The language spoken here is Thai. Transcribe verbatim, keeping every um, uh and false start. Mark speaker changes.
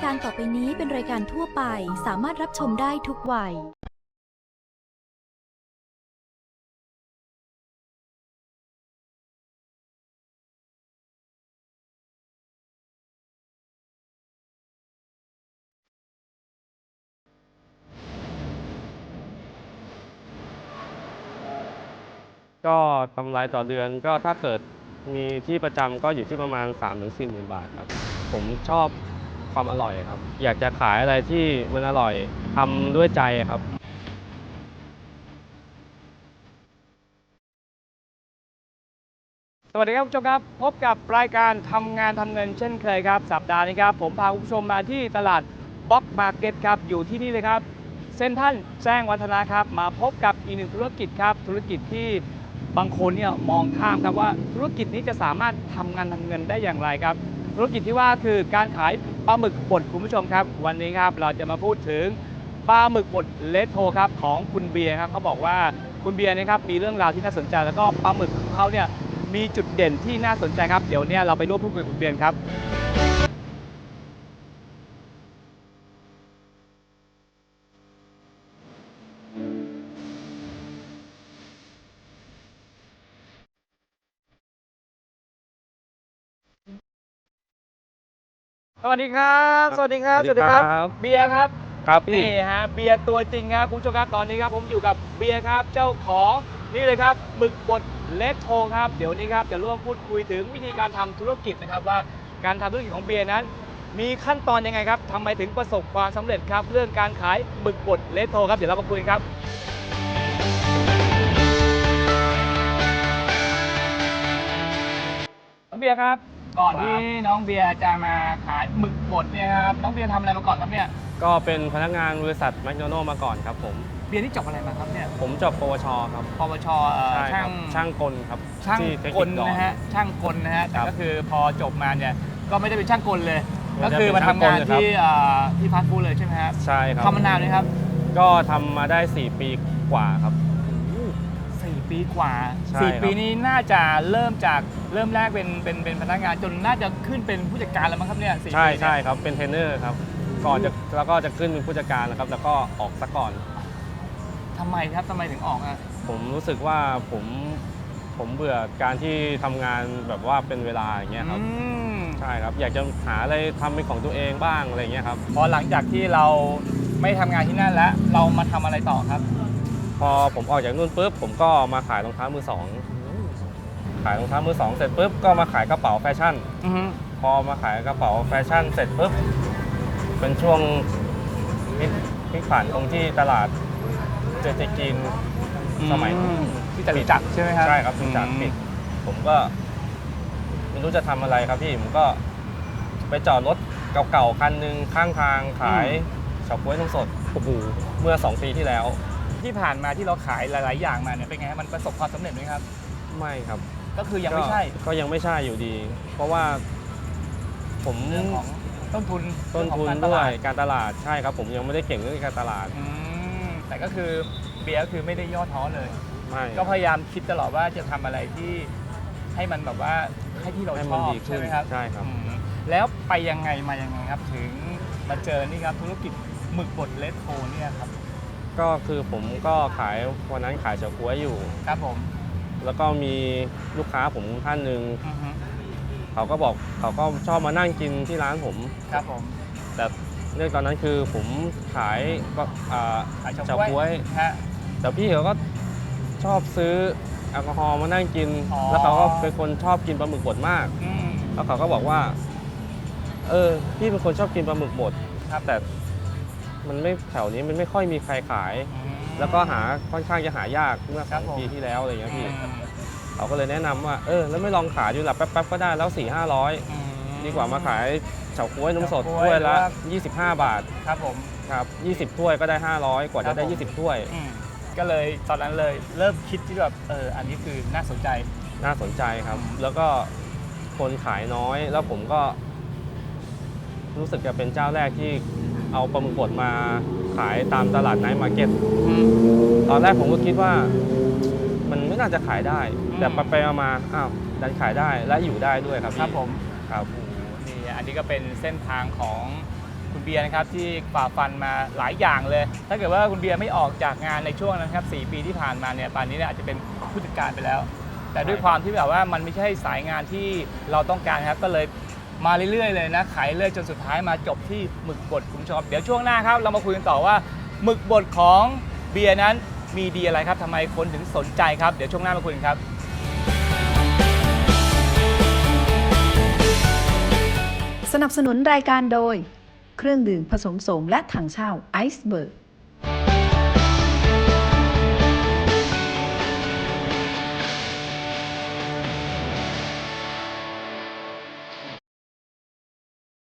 Speaker 1: การต่อไปนี้เป็นรายการทั่วไปสามารถรับชมได้ทุกวัย
Speaker 2: ก็กำไรต่อเดือนก็ถ้าเกิดมีที่ประจำก็อยู่ที่ประมาณ สามถึงสี่หมื่น บาทครับผมชอบความอร่อยครับอยากจะขายอะไรที่มันอร่อยทำด้วยใจครับ
Speaker 3: สวัสดีครับคุณผู้ชมครับพบกับรายการทำงานทำเงินเช่นเคยครับสัปดาห์นี้ครับผมพาคุณผู้ชมมาที่ตลาดบล็อกมาร์เก็ตครับอยู่ที่นี่เลยครับเซ็นทรัลแจ้งวัฒนะครับมาพบกับอีกหนึ่งธุรกิจครับธุรกิจที่บางคนเนี่ยมองข้ามครับว่าธุรกิจนี้จะสามารถทำงานทำเงินได้อย่างไรครับธุรกิจที่ว่าคือการขายปลาหมึกบดคุณผู้ชมครับวันนี้ครับเราจะมาพูดถึงปลาหมึกบดเลสโทครับของคุณเบียร์ครับเขาบอกว่าคุณเบียร์นะครับมีเรื่องราวที่น่าสนใจแล้วก็ปลาหมึกของเขาเนี่ยมีจุดเด่นที่น่าสนใจครับเดี๋ยวเนี่ยเราไปร่วมพูดคุยกับคุณเบียร์ครับสวัสดีครับสวัสดีครับ
Speaker 2: สวัสดีครับ
Speaker 3: เบียร์ครับ
Speaker 2: ครับพี่
Speaker 3: นี่ฮะเบียร์ตัวจริงครับคุณผู้ชมครับตอนนี้ครับผมอยู่กับเบียร์ครับเจ้าของนี่เลยครับหมึกบดเลสโทครับเดี๋ยวนี้ครับจะร่วมพูดคุยถึงวิธีการทำธุรกิจนะครับว่าการทำธุรกิจของเบียร์นั้นมีขั้นตอนยังไงครับทำไมถึงประสบความสำเร็จครับเรื่องการขายหมึกบดเลสโทครับเดี๋ยวเรามาคุยกันครับน้องเบียร์ครับก่อนที่น้องเบียร์จะมาขายหมึกบดเนี่ยครับน้องเบียร์ทำอะไรมาก่อนครับเนี่ย
Speaker 2: ก็เป็นพนักงานบริษัทแมคโดนัลด์มาก่อนครับผม
Speaker 3: เบียร์นี่จบอะไรมาครับเนี่ย
Speaker 2: ผมจบปวชครับ
Speaker 3: ปวชเอ่อ
Speaker 2: ใช่ค
Speaker 3: ช่า
Speaker 2: รั
Speaker 3: ง
Speaker 2: บช่างกลครับ
Speaker 3: ช่าง
Speaker 2: ที่เทค
Speaker 3: ก
Speaker 2: นิ
Speaker 3: ล
Speaker 2: คดอน
Speaker 3: นะฮะช่างกลนะฮะแต่
Speaker 2: ครับ
Speaker 3: ก็คือพอจบมาเนี่ยก็ไม่ได้เป็นช่างกลเลย
Speaker 2: ไม่
Speaker 3: ก็
Speaker 2: ได้
Speaker 3: คือ
Speaker 2: เป็น
Speaker 3: มาทำงาน
Speaker 2: ช่างกลเลยครับ
Speaker 3: ที่เอ่อที่ฟาสต์ฟู้ดเลยใช่ไหมครับ
Speaker 2: ใช่ครับ
Speaker 3: ทำมานานเลยครับ
Speaker 2: ก็ทำมาได้สี่ปีกว่าครับ
Speaker 3: สี่ปีกว่า
Speaker 2: ใช่
Speaker 3: สี่
Speaker 2: ครับ
Speaker 3: ปีนี้น่าจะเริ่มจากเริ่มแรกเป็นเป็นเป็นพนักงานจนน่าจะขึ้นเป็นผู้จัดการแล้วมั้งครับเนี่ยสี่
Speaker 2: ใช่
Speaker 3: ปีเนี่ย
Speaker 2: ใช่ครับเป็นเทรนเนอร์ครับก่อนจะแล้วก็จะขึ้นเป็นผู้จัดการนะครับแล้วก็ออกซะก่อน
Speaker 3: ทำไมครับทำไมถึงออกอ่ะ
Speaker 2: ผมรู้สึกว่าผมผมเบื่อการที่ทำงานแบบว่าเป็นเวลาอย่างเงี้ยครับ
Speaker 3: อืม
Speaker 2: ใช่ครับอยากจะหาอะไรทำเป็นของตัวเองบ้างอะไรเงี้ยครับ
Speaker 3: พอหลังจากที่เราไม่ทำงานที่นั่นแล้วเรามาทำอะไรต่อครับ
Speaker 2: พอผมออกจากนู่นปุ๊บผมก็มาขายรองเท้ามือสองขายรองเท้ามือสองเสร็จปุ๊บก็มาขายกระเป๋าแฟชั่น
Speaker 3: อือฮึ
Speaker 2: พอมาขายกระเป๋าแฟชั่นเสร็จปุ๊บเป็นช่วงพลิกพลิกผันตรงที่ตลาดเจเจจีนสมัย
Speaker 3: อืมที่จตุจักรใช่ไหมครับ
Speaker 2: ใช่ครับจตุจักรปิดผมก็ไม่รู้จะทำอะไรครับพี่ผมก็ไปจอดรถเก่าๆคันหนึ่งข้างทางขายเฉาก๊วยนมสดโอ้โหเมื่อสองปีที่แล้ว
Speaker 3: ที่ผ่านมาที่เราขายหลาย ๆ อย่างมาเนี่ยเป็นไงฮะมันประสบความสำเร็จไหมครับ
Speaker 2: ไม่ครับ
Speaker 3: ก็คือยังไม่ใช่
Speaker 2: ก็ก็ยังไม่ใช่อยู่ดี เพราะว่าผม
Speaker 3: เรื่องของต้นทุน
Speaker 2: ต้นทุน
Speaker 3: เรื่องของการต
Speaker 2: ด้ว
Speaker 3: ลาย ด
Speaker 2: การตลาดใช่ครับ ผมยังไม่ได้เก่งเรื่องการตลาด
Speaker 3: อืมแต่ก็คือเบียร์ก็คือไม่ได้ย่อท้อเลย
Speaker 2: ไม่
Speaker 3: ก็พยายามคิดตลอดว่าจะทำอะไรที่ให้มันแบบว่าให้ที่เรา
Speaker 2: ให้
Speaker 3: ช
Speaker 2: มัน
Speaker 3: อบ
Speaker 2: ดีขึ้
Speaker 3: ใช่
Speaker 2: น
Speaker 3: ไหมครับ
Speaker 2: ใช่ครับ
Speaker 3: อืมแล้วไปยังไงมายังไงครับ ถึงมาเจอนี่ครับธุรกิจหมึกบดเลสโทเนี่ยครับ
Speaker 2: ก็คือผมก็ขายวันนั้นขายเฉาก๊วยอยู่
Speaker 3: ครับผม
Speaker 2: แล้วก็มีลูกค้าผมท่านหนึ่ง
Speaker 3: อือฮึ
Speaker 2: เขาก็บอกเขาก็ชอบมานั่งกินที่ร้านผม
Speaker 3: ครับผม
Speaker 2: แต่เรื่องตอนนั้นคือผมขายก็อ่า
Speaker 3: ขายเฉา
Speaker 2: เฉา
Speaker 3: ก๊
Speaker 2: ก๊
Speaker 3: ว
Speaker 2: วย ย
Speaker 3: ฮะ
Speaker 2: แต่พี่เขาก็ชอบซื้อแอลกอฮอล์มานั่งกิน
Speaker 3: อ๋อ
Speaker 2: แล้วเขาก็เป็นคนชอบกินปลาหมึกบดมาก
Speaker 3: อืม
Speaker 2: แล้วเขาก็บอกว่า เออ พี่เป็นคนชอบกินปลาหมึกบด
Speaker 3: ครับ
Speaker 2: แต่มันไม่แถวนี้มันไม่ค่อยมีใครขาย
Speaker 3: อืม
Speaker 2: แล้วก็หาค่อนข้างจะหายากเมื่อ
Speaker 3: ค
Speaker 2: ส
Speaker 3: รั
Speaker 2: อบ ง
Speaker 3: ผม
Speaker 2: ปีที่แล้วอะไรอย่างเงี้ยพี่
Speaker 3: อืม
Speaker 2: เขาก็เลยแนะนำว่า เออ แล้วไม่ลองขายดูล่ะแป๊บๆก็ได้แล้วสี่ห้าร้อย
Speaker 3: อืม
Speaker 2: ดีกว่ามาขายเฉาก๊วยนมสด
Speaker 3: เฉาก๊วย
Speaker 2: ถ้วยละ
Speaker 3: หรือว่า
Speaker 2: ยี่สิบห้าบาท
Speaker 3: ครับผม
Speaker 2: ครับยี่สิบถ้วยก็ได้ห้าร้อยกว่า
Speaker 3: ครั
Speaker 2: จะ
Speaker 3: บ
Speaker 2: ได้
Speaker 3: ผม
Speaker 2: ยี่สิบถ้วย
Speaker 3: อืมก็เลยตอนนั้นเลยเริ่มคิดที่แบบเอออันนี้คือน่าสนใจ
Speaker 2: น่าสนใจครับ
Speaker 3: อืม
Speaker 2: แล้วก็คนขายน้อย แล้วผมก็รู้สึกจะเป็นเจ้าแรกที่เอาปลาหมึกบดมาขายตามตลาดไนท์มาร์เก็ต
Speaker 3: อืม
Speaker 2: ตอนแรกผมก็คิดว่ามันไม่น่าจะขายได้
Speaker 3: อืม
Speaker 2: แต่ไปๆมาๆอ้าวดันขายได้และอยู่ได้ด้วยครับพี่
Speaker 3: ครับผม
Speaker 2: ครับ
Speaker 3: โอ้โหนี่อันนี้ก็เป็นเส้นทางของคุณเบียร์นะครับที่ฝ่าฟันมาหลายอย่างเลย ถ้าเกิดว่าคุณเบียร์ไม่ออกจากงานในช่วงนั้นครับสี่ปีที่ผ่านมาเนี่ยป่านนี้เนี่ยอาจจะเป็นผู้จัดการไปแล้ว แต่ด้วยความที่แบบว่ามันไม่ใช่สายงานที่เราต้องการครับก็เลยมาเรื่อยๆเลยนะขายเรื่อยจนสุดท้ายมาจบที่หมึกบดคุณผู้ชมเดี๋ยวช่วงหน้าครับเรามาคุยกันต่อว่าหมึกบดของเบียร์นั้นมีดีอะไรครับทำไมคนถึงสนใจครับเดี๋ยวช่วงหน้ามาคุยกันครับ
Speaker 4: สนับสนุนรายการโดย เครื่องดื่มผสมโสมและถังเช่าไอซ์เบิร์ก